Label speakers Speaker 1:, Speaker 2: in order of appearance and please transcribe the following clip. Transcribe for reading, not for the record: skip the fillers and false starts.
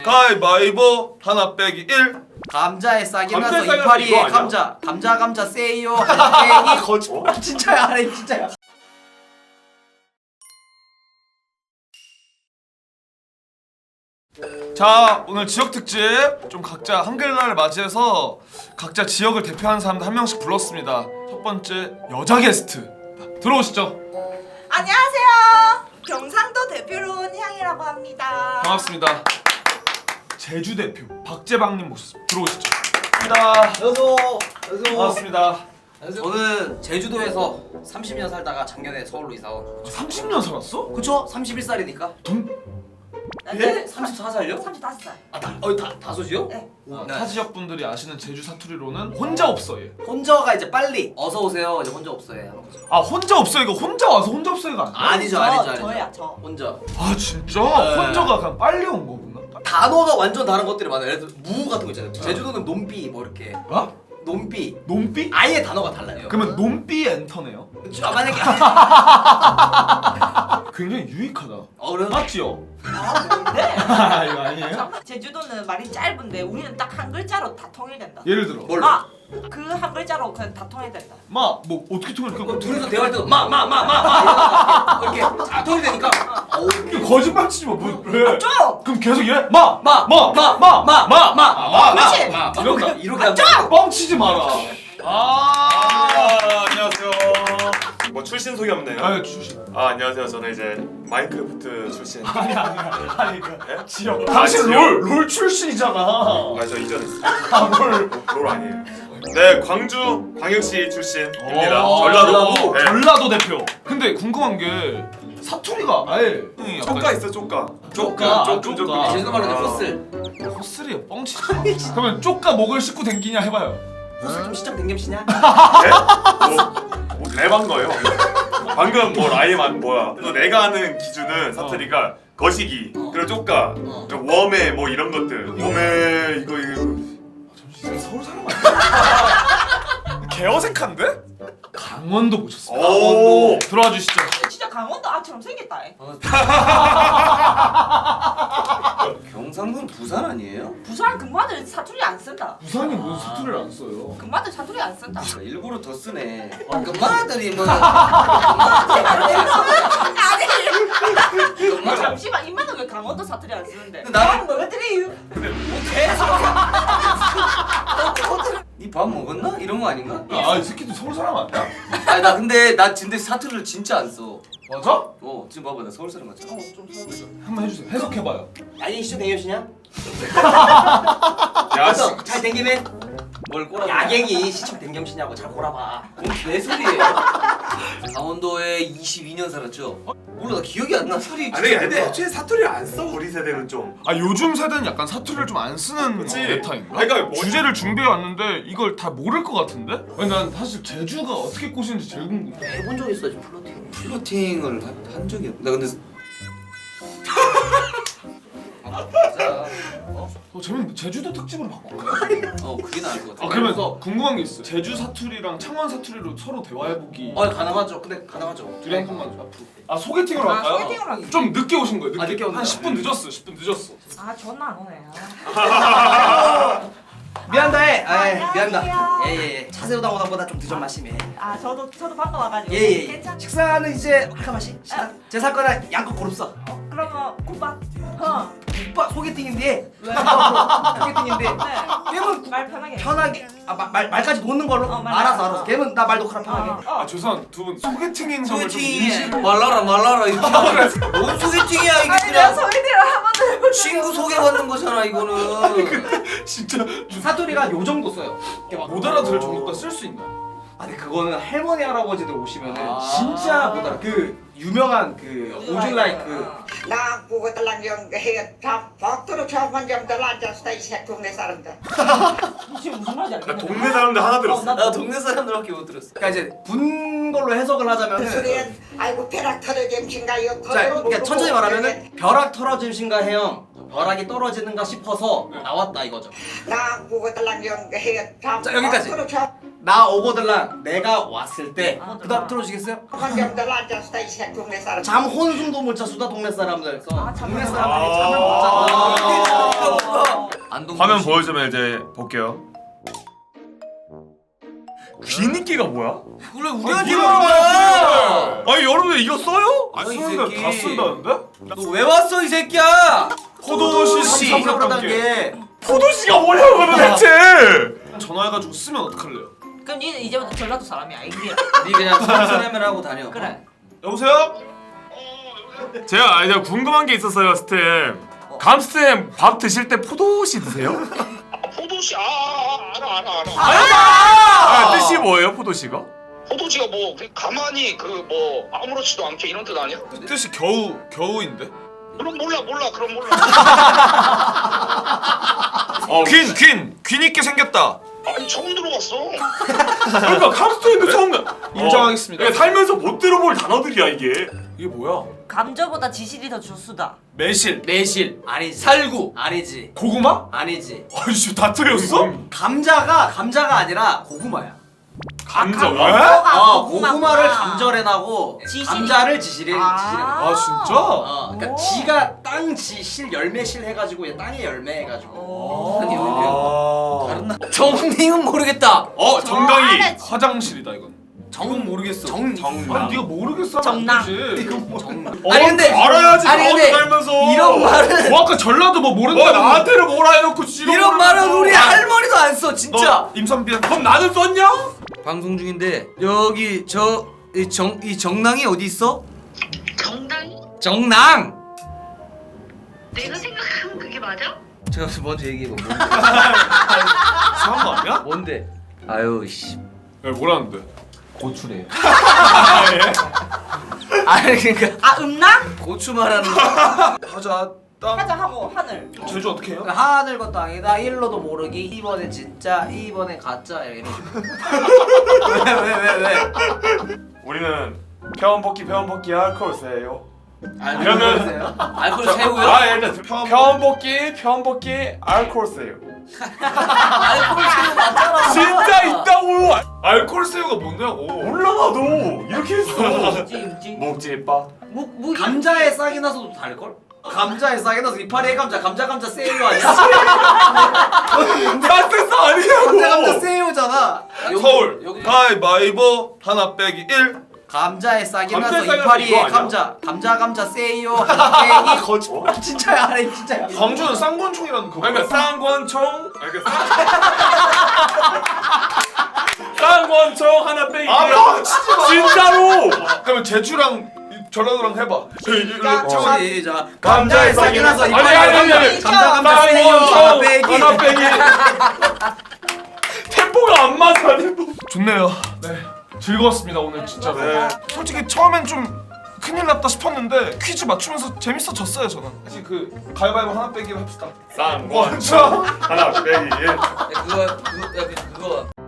Speaker 1: 가위바위보 하나 빼기 1.
Speaker 2: 감자에 싹이 나서
Speaker 1: 감자에 싹이 나서
Speaker 2: 이파리에
Speaker 1: 이거 아니야?
Speaker 2: 감자 세요 하나 빼기
Speaker 1: 거짓말.
Speaker 2: 진짜야 아니 진짜야.
Speaker 1: 자, 오늘 지역 특집 좀 각자 한글날을 맞이해서 각자 지역을 대표하는 사람들 한 명씩 불렀습니다. 첫 번째 여자 게스트 들어오시죠.
Speaker 3: 안녕하세요. 경상도 대표로 온 향이라고 합니다.
Speaker 1: 반갑습니다. 제주 대표 박재방님 모셨습니다. 들어오시죠. 반갑습니다.
Speaker 2: 여소
Speaker 1: 반갑습니다.
Speaker 2: 저는 제주도에서 30년 살다가 작년에 서울로 이사 온.
Speaker 1: 30년 살았어?
Speaker 2: 그쵸? 31살이니까.
Speaker 3: 네?
Speaker 2: 34살요?
Speaker 3: 35살.
Speaker 2: 다섯이요?
Speaker 3: 네.
Speaker 1: 타 지역 분들이 아시는 제주 사투리로는 혼자 없어 얘.
Speaker 2: 혼자가 이제 빨리 어서 오세요. 이제 혼자 없어요.
Speaker 1: 아 혼자 없어 이거 혼자 와서 혼자 없어가 아니야?
Speaker 2: 아니죠.
Speaker 3: 저야 저.
Speaker 2: 혼자.
Speaker 1: 아 진짜?
Speaker 2: 네.
Speaker 1: 혼자가 그냥 빨리 온 거구나.
Speaker 2: 단어가 완전 다른 것들이 많아요. 예를 들어 무 같은 거 있잖아요. 제주도는 논비 뭐 이렇게.
Speaker 1: 어?
Speaker 2: 논비.
Speaker 1: 논비?
Speaker 2: 아예 단어가 달라요.
Speaker 1: 그러면 논비 엔터네요.
Speaker 2: 만약에
Speaker 1: 굉장히 유익하다.
Speaker 2: 그래요?
Speaker 1: 맞지요?
Speaker 3: 아 뭔데?
Speaker 1: 아 이거 아니에요?
Speaker 3: 제주도는 말이 짧은데 우리는 딱 한 글자로 다 통일된다.
Speaker 1: 예를 들어
Speaker 2: 뭘?
Speaker 3: 그 한 글자로 그냥 다 통일된다.
Speaker 1: 뭐 어떻게 통일해?
Speaker 2: 둘이서 대화할 때도 이렇게 다 통이 되니까.
Speaker 1: 이거 거짓말 치지 마. 뭐 왜?
Speaker 3: 좀.
Speaker 1: 그럼 계속 이래?
Speaker 3: 그렇지.
Speaker 2: 이렇게 하면
Speaker 1: 뻥치지 마라.
Speaker 4: 안녕하세요. 뭐 출신 소개 없네요.
Speaker 1: 아 출신.
Speaker 4: 안녕하세요. 저는 이제 마인크래프트 출신.
Speaker 1: 아니 그러니까
Speaker 4: 네?
Speaker 1: 지역.
Speaker 4: 아,
Speaker 1: 당신
Speaker 4: 지역?
Speaker 1: 롤 출신이잖아.
Speaker 4: 저 이전 했어요.
Speaker 1: 롤.
Speaker 4: 아니에요. 네, 광주 광역시 출신입니다.
Speaker 1: 전라도.
Speaker 4: 네.
Speaker 1: 전라도 대표. 근데 궁금한 게 사투리가 아예
Speaker 4: 쪼까 있어, 쪼까.
Speaker 1: 쪼까.
Speaker 2: 제주도 말로 호슬.
Speaker 1: 헛슬이야 뻥치지. 그러면 쪼까 목을 씻고 댕기냐 해봐요.
Speaker 2: 호슬 좀 시작 댕겸시냐?
Speaker 4: 네? 뭐 랩한 거예요. 방금 뭐 라임한 뭐야. 또 내가 아는 기준은 사투리가 거시기, 그리고 쪼까, 그리고 웜에 뭐 이런 것들. 웜에 이거.
Speaker 1: 잠시 서울 사람 아니야? 개어색한데? 강원도 모셨습니다.
Speaker 4: 오.
Speaker 1: 들어와 주시죠.
Speaker 3: 진짜 강원도 아처럼 생겼다.
Speaker 2: 경상도는 부산 아니에요?
Speaker 3: 부산 금마들 사투리 안 쓴다.
Speaker 1: 부산이 무슨 사투리를 안 써요?
Speaker 3: 금마들 사투리 안 쓴다.
Speaker 2: 일부러 더 쓰네. 금마들이 뭐
Speaker 3: 아니. 잠시만 이만은 왜 강원도 사투리 안 쓰는데?
Speaker 2: 나는
Speaker 3: 뭐들이
Speaker 2: 니 밥 먹었나? 이런 거 아닌가?
Speaker 1: 이 새끼도 서울 사람 아니야?
Speaker 2: 아니 나 근데 사투리를 진짜 안 써.
Speaker 1: 맞아?
Speaker 2: 지금 봐봐 나 서울 사람 같잖아.
Speaker 3: 좀 서울.
Speaker 1: 한번 해주세요. 해석해봐요.
Speaker 2: 아니 시청 댕겨시냐?
Speaker 4: 야, 씨.
Speaker 2: 잘 댕기면 뭘 꼬라? 야객이 시청 댕겸시냐고 잘 꼬라봐. 뭔 개소리예요? 강원도에 22년 살았죠? 몰라 나 기억이 안 나. 소리.
Speaker 4: 아니, 근데 애초에 사투리를 안 써. 우리 세대는 좀.
Speaker 1: 요즘 세대는 약간 사투리를 좀 안 쓰는
Speaker 4: 그치.
Speaker 1: 메타인가?
Speaker 4: 그러니까 뭐-
Speaker 1: 주제를 준비해 왔는데 이걸 다 모를 것 같은데? 아니, 난 사실 제주가 어떻게 꼬시는지 제일 궁금해.
Speaker 2: 해본 적 있어 지금 플로팅. 플로팅을 한 적이 없. 나 근데. 맞아.
Speaker 1: 재밌는데 제주도 특집으로 바꿀까요?
Speaker 2: 그게 나을 것 같아.
Speaker 1: 그러면 궁금한 게 있어. 제주 사투리랑 창원 사투리로 서로 대화해보기.
Speaker 2: 가능하죠. 근데 가능하죠.
Speaker 1: 둘이 한 번만 앞으로. 소개팅으로 할까요?
Speaker 3: 소개팅으로 하기.
Speaker 1: 좀 늦게 오신 거예요.
Speaker 2: 늦게
Speaker 1: 한
Speaker 2: 온다.
Speaker 1: 10분 늦었어. 10분 늦었어.
Speaker 3: 전화 안 오네.
Speaker 2: 미안다 해.
Speaker 3: 안녕하세요.
Speaker 2: 미안다. 예예예. 차 세우다 오다보다 좀 늦은 맛이네.
Speaker 3: 저도 방금 와가지고.
Speaker 2: 예예.
Speaker 3: 괜찮.
Speaker 2: 식사는 이제 아까 맛이. 제 사건은 양껏 고릅서.
Speaker 3: 그러면 국밥.
Speaker 2: 오빠 소개팅인데.
Speaker 3: 왜?
Speaker 2: 소개팅인데.
Speaker 3: 네.
Speaker 2: 걔는
Speaker 3: 말 편하게.
Speaker 2: 편하게 말까지 놓는 걸로.
Speaker 3: 말.
Speaker 2: 알아서. 걔는 나 말 놓고라 편하게.
Speaker 1: 죄송한 두 분 소개팅인 점을 좀 인식.
Speaker 2: 말라라 이렇게. 뭔 소개팅이야 이게
Speaker 3: 아니 내가 소개팅을 한 번도 해본 적이
Speaker 2: 친구
Speaker 3: 없어.
Speaker 2: 소개받는 거잖아 이거는.
Speaker 1: 진짜
Speaker 2: 사투리가 요 정도 써요.
Speaker 1: 못 알아들을 정도가 쓸 수 있나?
Speaker 2: 근데 그거는 할머니 할아버지들 오시면은
Speaker 1: 아.
Speaker 2: 진짜 못 알아. 그 유명한 그 오줄라이 그
Speaker 5: 나 그거 달랑경 다 벅도로 저번점들 앉았다 이 새 동네 사람들.
Speaker 3: 지금 무슨 말인지
Speaker 4: 나
Speaker 3: 알겠네.
Speaker 4: 동네 사람들 하나 들었어.
Speaker 2: 나 동네 사람들밖에 못 들었어. 그러니까 이제 분 걸로 해석을
Speaker 5: 그
Speaker 2: 하자면은
Speaker 5: 소리엔 아이고 벼락 터져짐신가요.
Speaker 2: 자, 그러니까 천천히 말하면은 벼락 털어짐신가 해요. 벼락이 떨어지는가 싶어서 나왔다 이거죠.
Speaker 5: 나 그거 달랑경 다
Speaker 2: 자, 여기까지.
Speaker 5: 벅도로
Speaker 2: 나 오고들랑 내가 왔을 때
Speaker 3: 아,
Speaker 2: 그다음 들어주시겠어요?
Speaker 5: 저번점들 앉았다 이 새 동네 사람들.
Speaker 2: 잠 혼숨도 못 자 수다 동네 사람들. 그래서
Speaker 3: 잠을
Speaker 2: 동네
Speaker 3: 못
Speaker 2: 사람들이 잠을 못 자. 안동
Speaker 4: 화면 보여주면 이제 볼게요. 귀니끼가 뭐야?
Speaker 2: 그래 우리한테
Speaker 1: 네가
Speaker 2: 온 거야.
Speaker 4: 아니 여러분들 이거 써요?
Speaker 2: 아니 이
Speaker 1: 쓰는데
Speaker 2: 새끼
Speaker 1: 다 쓴다는데?
Speaker 2: 너 왜 왔어 이 새끼야?
Speaker 1: 포도시
Speaker 2: 3
Speaker 1: 3
Speaker 2: 단계.
Speaker 4: 포도씨가 뭐냐고 그러면 대체.
Speaker 1: 전화해가지고 쓰면 어떡할래요?
Speaker 3: 그럼 니는 이제부터 전라도 사람이 아니야.
Speaker 2: 니 그냥 선생님을 하고 다녀.
Speaker 3: 그래.
Speaker 1: 여보세요?
Speaker 4: 제가 궁금한 게 있었어요, 스템. 감스템 밥 드실 때 포도씨 드세요?
Speaker 6: 포도씨 알아.
Speaker 4: 아, 뜻이 뭐예요, 포도씨가?
Speaker 6: 포도씨가 뭐 그냥 가만히 그 뭐 아무렇지도 않게 이런 뜻 아니야?
Speaker 1: 뜻이 겨우인데?
Speaker 6: 그럼 몰라 그럼 몰라.
Speaker 1: 귀 있게 생겼다.
Speaker 6: 아니 처음 들어봤어.
Speaker 4: 그러니까 감스템도 처음
Speaker 1: 인정하겠습니다.
Speaker 4: 그러니까 살면서 못 들어볼 단어들이야 이게.
Speaker 1: 이게 뭐야?
Speaker 3: 감자보다 지실이 더 주수다.
Speaker 1: 매실,
Speaker 2: 매실 아니지. 살구 아니지.
Speaker 1: 고구마?
Speaker 2: 아니지.
Speaker 1: 아이씨 다 틀렸어?
Speaker 2: 감자가 아니라 고구마야.
Speaker 4: 감자가?
Speaker 3: 감자가
Speaker 2: 고구마를 감절해나고
Speaker 3: 지실이.
Speaker 2: 감자를 지실해.
Speaker 1: 아 진짜?
Speaker 2: 그러니까
Speaker 3: 오.
Speaker 2: 지가 땅지실 열매실 해가지고 얘 땅의 열매 해가지고.
Speaker 3: 오.
Speaker 2: 아니,
Speaker 1: 아.
Speaker 2: 다른 정님은 모르겠다.
Speaker 4: 정강이.
Speaker 3: 알았지.
Speaker 1: 화장실이다 이건.
Speaker 2: 정은 모르겠어.
Speaker 1: 아니 네가 모르겠어
Speaker 3: 정당.
Speaker 2: 아니 근데
Speaker 4: 알아야지.
Speaker 2: 아니 근데
Speaker 4: 살면서.
Speaker 2: 이런 말은
Speaker 1: 뭐 아까 전라도 뭐 모른다고.
Speaker 4: 뭐 나한테는 뭐라 해놓고 지금
Speaker 2: 이런 말은 우리 할머니도 안 써 진짜.
Speaker 1: 너 임선비야.
Speaker 4: 그럼 나는 썼냐?
Speaker 2: 방송 중인데 여기 이 정낭이 어디 있어?
Speaker 7: 정당이?
Speaker 2: 정낭.
Speaker 7: 내가 생각하면 그게 맞아?
Speaker 2: 제가 먼저 얘기해봐.
Speaker 1: 이상한 거 아니야?
Speaker 2: 뭔데? 아유 씨.
Speaker 1: 야 뭐라는데?
Speaker 2: 고추래요.
Speaker 1: 아 예?
Speaker 2: 아니 그러니까
Speaker 3: 아 음랑?
Speaker 2: 고추 말하는 거.
Speaker 1: 하자 땅.
Speaker 3: 하자 하고 하늘.
Speaker 1: 제주 어떻게 해요?
Speaker 2: 하늘과 땅이다 1로도 모르기 2번에 진짜 2번에 가짜 이런 식으로. 왜?
Speaker 4: 우리는 평원볶기 알콜세요.
Speaker 2: 이러면 알코올 새우요?
Speaker 4: 아 일단 평원볶기 알콜세요.
Speaker 2: 알코올 새우 맞잖아.
Speaker 4: 진짜 있다고.
Speaker 1: 알콜 새우가 뭔냐고.
Speaker 4: 몰라 나도 이렇게 했어.
Speaker 3: 임지.
Speaker 4: 먹지 빠.
Speaker 3: 뭐
Speaker 2: 감자에 싹이 나서도 다를걸? 감자에 싹이 나서 이파리에 감자 세요 아니야?
Speaker 4: 나 뜻 아니냐고.
Speaker 2: 감자 세요잖아.
Speaker 1: 서울
Speaker 2: 여기
Speaker 1: 가위바위보 하나 빼기 1.
Speaker 2: 감자에 싹이
Speaker 4: 감자에
Speaker 2: 나서
Speaker 4: 싹이 나서
Speaker 2: 이파리에
Speaker 4: 이거 아니야?
Speaker 2: 감자 세요 하나 빼기
Speaker 4: 거짓말.
Speaker 2: 진짜야 아니 진짜야.
Speaker 1: 광주는 쌍권총이라는 그거.
Speaker 4: 그러니까 쌍권총. 쌍권총 하나 빼기.
Speaker 1: 아 뻥치지 마.
Speaker 4: 진짜로.
Speaker 1: 그러면 제주랑 전라도랑 해봐.
Speaker 2: 시작. 감자에 싹이 나서
Speaker 4: 아니,
Speaker 2: 이파리에 감자 세요 하나 빼기.
Speaker 4: 하나 빼기. 템포가 안 맞아 템포.
Speaker 1: 좋네요. 네 즐거웠습니다 오늘 진짜. 네. 솔직히 처음엔 좀 큰일 났다 싶었는데 퀴즈 맞추면서 재밌어졌어요 저는. 사실 그 가위바위보 하나 빼기로 합시다.
Speaker 4: 쌍권총 하나 빼기.
Speaker 2: 그거